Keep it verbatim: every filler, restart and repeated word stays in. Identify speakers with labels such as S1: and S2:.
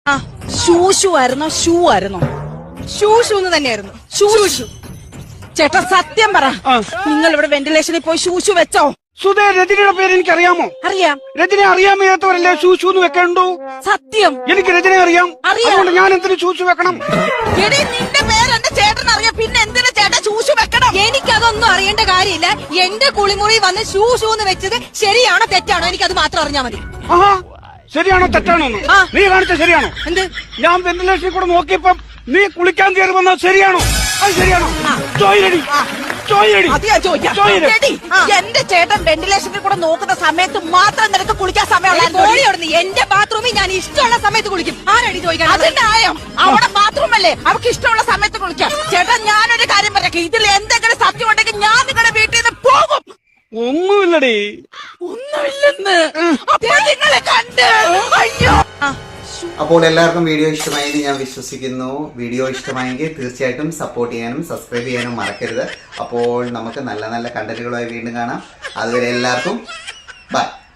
S1: ഷൂഷു ആയിരുന്നോ ഷൂ ആയിരുന്നോ?
S2: ഷൂഷു എന്ന് തന്നെയായിരുന്നു. ഷൂഷു.
S1: ചേട്ടാ സത്യം പറ, നിങ്ങൾ ഇവിടെ വെന്റിലേഷനിൽ പോയി ഷൂഷു വെച്ചോ?
S3: സുധേ, രജനിയുടെ പേര് എനിക്ക് അറിയാമോ?
S1: അറിയാം.
S3: രജനെ അറിയാൻ വയ്യാത്തവരല്ലേ ഷൂഷു എന്ന് വെക്കണ്ടു?
S1: സത്യം.
S3: എനിക്ക് രജനെ അറിയാം. അതുകൊണ്ട് ഞാൻ എന്തിനു ഷൂഷു വെക്കണം?
S1: എടി, നിന്റെ പേര് എന്റെ ചേട്ടൻ അറിയാം, പിന്നെ എന്തിനു ചേട്ടൻ ഷൂഷു വെക്കണം?
S2: എനിക്കതൊന്നും അറിയേണ്ട കാര്യമില്ല. എന്റെ കുളിമുറി വന്ന് ഷൂ ഷൂ എന്ന് വെച്ചത് ശരിയാണോ തെറ്റാണോ എനിക്കത് മാത്രം അറിഞ്ഞാൽ മതി.
S3: ആഹാ, ശരിയാണോ തെറ്റാണോ? നീ കാണിച്ച ശരിയാണോ?
S2: എന്ത്?
S3: ഞാൻ വെന്റിലേഷനിൽ കൂടെ നോക്കിയപ്പം നീ കുളിക്കാൻ കയറി വന്നത് ശരിയാണോ? അത് ശരിയാണോ? ചോയിലടി, ചോയിലടി.
S1: അത് ഞാൻ ചോദിക്കാം. എടി, എന്റെ ചേട്ടൻ വെന്റിലേഷനിൽ കൂടെ നോക്കുന്ന സമയത്ത് മാത്രം നിനക്ക് കുളിക്കാൻ സമയമുള്ള
S2: എന്റെ ബാത്റൂമിൽ ഞാൻ ഇഷ്ടമുള്ള സമയത്ത് കുളിക്കും. ആരടി ചോദിക്കാൻ?
S1: അതിന്റെ ആയം അവിടെ ബാത്റൂം അല്ലേ, അവർക്ക് ഇഷ്ടമുള്ള സമയത്ത് കുളിക്കാം. ചേട്ടാ, ഞാനൊരു കാര്യം പറയാം, ഇതിൽ എന്തെങ്കിലും സത്യം ഉണ്ടെങ്കിൽ ഞാൻ നിങ്ങളുടെ വീട്ടിൽ നിന്ന് പോകും.
S3: ഒന്നുമില്ലടി.
S1: ഒന്നുമില്ലെന്ന് അപ്പോൾ നിങ്ങളെ കണ്ട്. അയ്യോ.
S4: അപ്പോൾ എല്ലാവർക്കും വീഡിയോ ഇഷ്ടമായി എന്ന് ഞാൻ വിശ്വസിക്കുന്നു. വീഡിയോ ഇഷ്ടമായെങ്കിൽ തീർച്ചയായിട്ടും സപ്പോർട്ട് ചെയ്യാനും സബ്സ്ക്രൈബ് ചെയ്യാനും മറക്കരുത്. അപ്പോൾ നമുക്ക് നല്ല നല്ല കണ്ടന്റുകളുമായി വീണ്ടും കാണാം. അതുവരെ എല്ലാവർക്കും ബൈ.